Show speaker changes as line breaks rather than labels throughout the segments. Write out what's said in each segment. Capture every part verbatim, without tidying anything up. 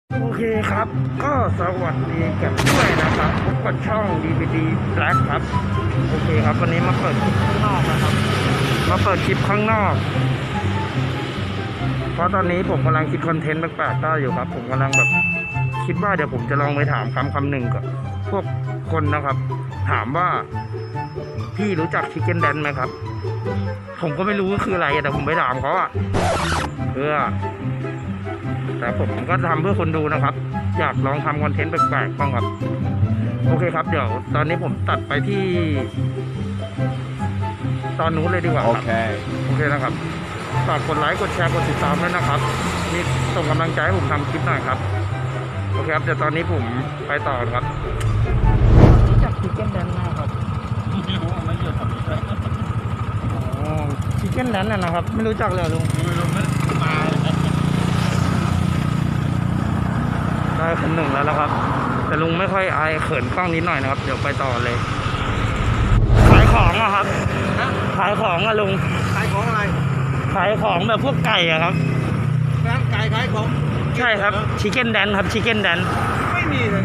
โอเคครับก็สวัสดีกันด้วยนะครับพบกับช่อง ดี วี ดี Black ครับโอเคครับวันนี้มาเปิดคลิปข้างนอกนะครับมาเปิดคลิปข้างนอกเพราะตอนนี้ผมกำลังคิดคอนเทนต์แปลกๆได้อยู่ครับผมกำลังแบบคิดว่าเดี๋ยวผมจะลองไปถามคำคำหนึ่งกับพวกคนนะครับ ถามว่าพี่รู้จักชิคเก้นแดนไหมครับผมก็ไม่รู้ว่าคืออะไรแต่ผมไปถามเขาอะเพื่อแต่ผมก็ทำเพื่อคนดูนะครับอยากลองทำคอนเทนต์แปลกๆบ้างครับโอเคครับเดี๋ยวตอนนี้ผมตัดไปที่ตอนนู้นเลยดีกว่าครับโอเคโอเคนะครับฝากกดไลค์กดแชร์กดติดตามด้วยนะครับนี่ส่งกำลังใจให้ผมทำคลิปหน่อยครับโอเคครับเดี๋ยวตอนนี้ผมไปต่อครับรู้จักชิคเก้นแดนไหมครับไม่รู้ไม่เยอะครับอ๋อชิคเก้นแดนน่ะนะครับไม่รู้จักเลยลุงไม่รู้ไม่มาได้คนหนึ่งแล้วนะครับแต่ลุงไม่ค่อยอายเขินกล้องนิดหน่อยนะครับเดี๋ยวไปต่อเลยขายของอะครับขายของอะลุง
ขายของอะไร
ขายของแบบพวกไก่อะครับ
ร้านไก่ขายของ
ใช่ครับชิคเก้นแดนครับชิคเก้นแดน
ไม่มีเลย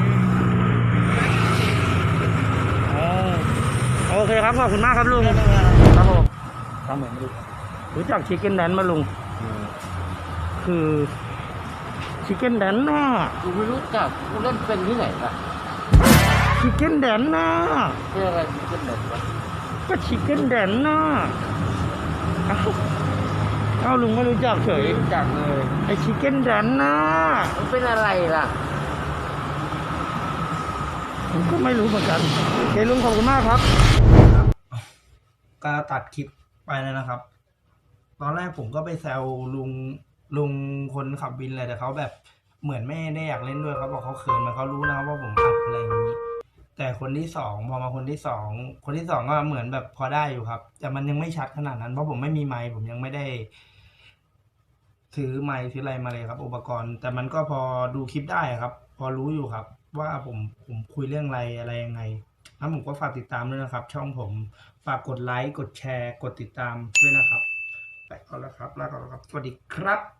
อ๋อโอเคครับขอบคุณมากครับลุงครับผมทำเหมือนรู้รู้จักชิคเก้นแดนมาลุงคือชิคเก้นแดนน่ะ
กูไม่รู้จักกูเล่นเป็นที่ไหนล่ะ
ชิคเก้นแดนน่ะ
เป็นอะไรชิคเก้นแดนวะ
ก็ชิคเก้นแดนน่ะเอ้าเอ้าลุงไม่รู้จักเฉย
รู้จักเลย
ไอชิคเก้นแดนน่ะ
มันเป็นอะไรล่ะ
ผมก็ไม่รู้เหมือนกันโอเคลุงขอบคุณมากครับก็ตัดคลิปไปเลยนะครับ ตอนแรกผมก็ไปแซวลุงลุงคนขับวินเลยแต่เขาแบบเหมือนไม่ได้อยากเล่นด้วยเขาบอกเขาเขินมาเขารู้นะครับว่าผมขับอะไรอย่างนี้แต่คนที่สองพอมาคนที่สองคนที่สองก็เหมือนแบบพอได้อยู่ครับแต่มันยังไม่ชัดขนาดนั้นเพราะผมไม่มีไมค์ผมยังไม่ได้ถือไมค์ถืออะไรมาเลยครับ อุปกรณ์แต่มันก็พอดูคลิปได้ครับ พอรู้อยู่ครับว่าผมผมคุยเรื่องอะไรอะไรยังไงแล้วผมก็ฝากติดตามด้วยนะครับช่องผมฝากกดไลค์กดแชร์กดติดตามด้วยนะครับไปก่อนแล้วครับลาก่อนแล้วครับสวัสดีครับ